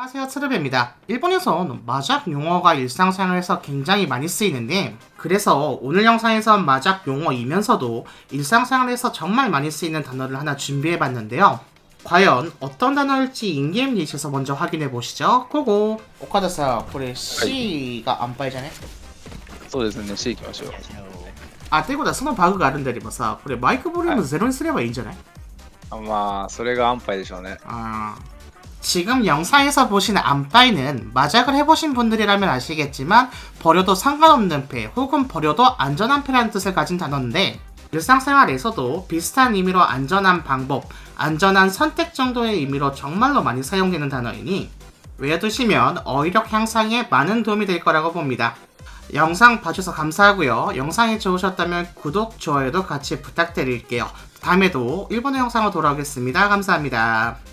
안녕하세요, 트르베입니다. 일본에선 마작 용어가 일상생활에서 굉장히 많이 쓰이는데, 그래서 오늘 영상에선 마작 용어이면서도 일상생활에서 정말 많이 쓰이는 단어를 하나 준비해봤는데요. 과연 어떤 단어일지 인게임 리시에서 먼저 확인해보시죠. 고고! 오카다さん, これ C가 안 빠이잖아요? そうですね、C 行きましょう。 あ、ということはそのバグがあるんであればさ、これマイクボリュームゼロにすればいいんじゃない？ まあ、それが安牌でしょうね。 지금 영상에서 보시는 안빠이는 마작을 해보신 분들이라면 아시겠지만 버려도 상관없는 패 혹은 버려도 안전한 패라는 뜻을 가진 단어인데, 일상생활에서도 비슷한 의미로 안전한 방법, 안전한 선택 정도의 의미로 정말로 많이 사용되는 단어이니 외워두시면 어휘력 향상에 많은 도움이 될 거라고 봅니다. 영상 봐주셔서 감사하고요. 영상이 좋으셨다면 구독, 좋아요도 같이 부탁드릴게요. 다음에도 일본어 영상으로 돌아오겠습니다. 감사합니다.